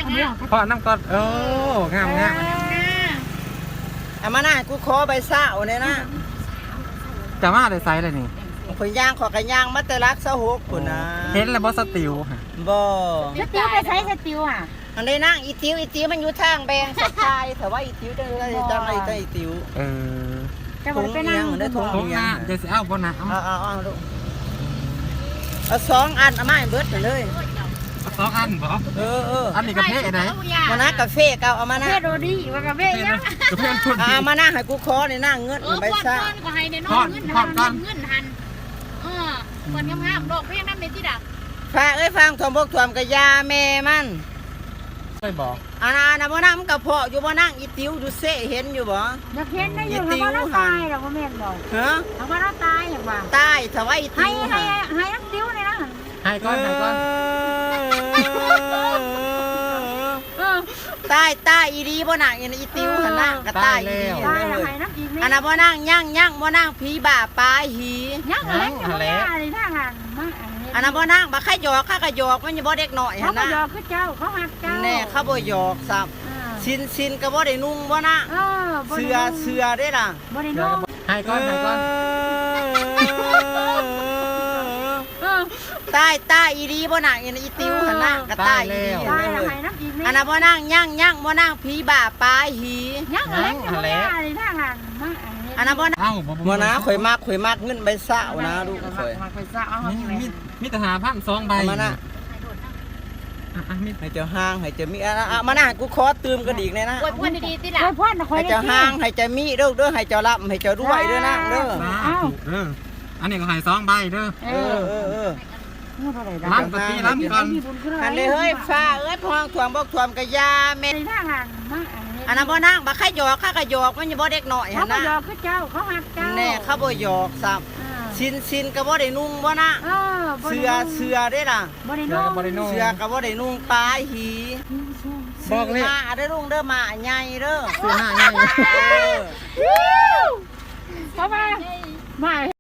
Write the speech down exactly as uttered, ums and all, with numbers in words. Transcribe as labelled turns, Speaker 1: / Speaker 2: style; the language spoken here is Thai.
Speaker 1: พอน้ำก่อนโอ้งามงาม
Speaker 2: เอามาหน้ากูขอใบเศร้าเนี่ยนะ
Speaker 1: จะมาได้ไซส์เลยนี่
Speaker 2: ข่อยย่างขอกระย่างมาแต่รักสะหกคนนะ
Speaker 1: เห็นแล้วบอสติวค่ะ
Speaker 2: บ่
Speaker 3: สติวไปใช้สติวอ่ะ
Speaker 2: อันนี้นั่งอีติวอีติวมันอยู่ทางแบงสักทายแต่ว่าอีติวจะได้จังไรจังอีติว
Speaker 1: เออ
Speaker 3: จะบอกไปนั่ง
Speaker 2: ได้ทง
Speaker 1: ทงหน้าจะสิเอาบนนะเอา
Speaker 2: เอาเอาเอาลูกเอาสองอันเอามาให้เบิดไปเลย
Speaker 1: สองอันบอ
Speaker 2: เออเออ
Speaker 1: อันนี้กระเพาะไหน
Speaker 2: มานะกาแฟเก่าเอามานะ
Speaker 3: เพื่อโรดี้ว่ากาแฟยัง
Speaker 1: กระเพาะคน
Speaker 2: เอามานะให้กูขอในหน้าเงิน
Speaker 4: เออ
Speaker 2: ใบ
Speaker 4: พอด
Speaker 2: เศร้า
Speaker 4: ก้อนก็ให้ในน้องเงินหันเงินหันเออคนงามๆดอกเพียงน้ำเม็ดที่ดัก
Speaker 2: ฝากเอ้ยฟังทอมบกทวมกะยาแม่มัน
Speaker 1: ไม่บอก
Speaker 2: อันนั้นบ่นั่งมันกระเพาะอยู่บ่นั่งอีติวดูเซ่เห็นอยู่บ่
Speaker 3: อยากเห็นได้อยู่ทำว่าเราตายหรอกว่าแม่บอก
Speaker 2: ฮะ
Speaker 3: ทำว่าเราตายอย่างว่า
Speaker 2: ตายถ้าว่าอีติ
Speaker 3: ให้
Speaker 2: ว
Speaker 3: ให้ให้นักติ้วเลยนะ
Speaker 1: ให้ก้อนให้ก้อน
Speaker 3: เออ
Speaker 2: ตายตายอีดีบ่นั่งอีติวหั่นน่ะก็ตายอีดี
Speaker 3: ตายแล้วให้นักอีก
Speaker 2: อันนั้นบ่นั่งย่างย่างบ่นั่งผีบ้าปลายหี
Speaker 3: ยังอะไรยังอะไรอะไรทางานมา
Speaker 2: อันนั้นบ่นั่งบ่ใครหยอกข้าก็หยอกมันอยู่บ่เด็กน้อย
Speaker 3: เขา
Speaker 2: หั่น
Speaker 3: ก็
Speaker 2: น่ะ
Speaker 3: ยอคือเจ้าเขาหักเจ้า
Speaker 2: แน่เขาบ่หยอกซ้ำสินสินก็บ่ได้นุ่งบ่นะ
Speaker 3: เออ
Speaker 2: เสือเสือได้ล่ะ
Speaker 3: บริโน
Speaker 1: ให้ก้อนให้ก้อน
Speaker 3: เออ
Speaker 2: ตายตายอีดีบ่นั่งอีติวหั่นน่ะก็ตายอีดี
Speaker 3: ตายแล้วให้นักอีก
Speaker 2: อันนั้นบ่นั่งย่างย่างบ่นั่งผีบ้าปลายหี
Speaker 3: ยังอะไรยังอะไรอะไรทางานมา
Speaker 2: อันนั้นบ่นั่ง
Speaker 1: เอ้า
Speaker 2: บ่นะข่อยมักข่อยมักเงินใบเศร้านะลูกข่อย
Speaker 3: มาไปซะเอา
Speaker 1: มีมีมีทหารพันสองใบ
Speaker 2: เอามานะ
Speaker 1: อ่ะมี
Speaker 2: ให้เจ้าห้างให้เจ้ามีอ่ะอ่ะมานะกูขอตื่มกระดิกเลยนะ
Speaker 4: อวยพรดีๆที่ดัก
Speaker 3: โอ้ยพ่อนะคอย
Speaker 2: ให้เจ้าห้างให้เจ้ามีเด้อเด้อให้เจ้ารับให้เจ้ารวยเด้อนะเด้อ
Speaker 1: สาธุเด้ออันนี้ก็ให้สองใบเด้อ
Speaker 3: เอ
Speaker 2: เอ
Speaker 3: อ
Speaker 2: อเออเออ
Speaker 1: ล้างตะกี้ล้างก่อน
Speaker 2: อันนี้เฮ้ยฟ้าเอ้ยพองถ่วงบ่ถ่วงกะยาแม่
Speaker 3: ในทางานมา
Speaker 2: อันนั้นบ่นั่งบ่ใครหยอกข้าก็หยอกมันอยู่บ่เด็กน้อย
Speaker 3: เขา
Speaker 2: หั่น
Speaker 3: ก็
Speaker 2: น่ะ
Speaker 3: ยอคือเจ้าเขาหักเจ้า
Speaker 2: แน่เขาบ่หยอกซ้ำสินสินก็บ่ได้นุ่งบ่นะ
Speaker 3: เออ
Speaker 2: เสือเสือได้ล่ะ
Speaker 3: บริ
Speaker 1: เสื
Speaker 3: โน
Speaker 1: อกับบริโน
Speaker 2: เสือก็บ่ได้นุ่งปลายหี
Speaker 1: บอกเลย
Speaker 2: มาเด้อลุงเด้อมาใหญ่เด้อ
Speaker 1: เสือหน้าใหญ่
Speaker 2: เออ
Speaker 3: เขามามา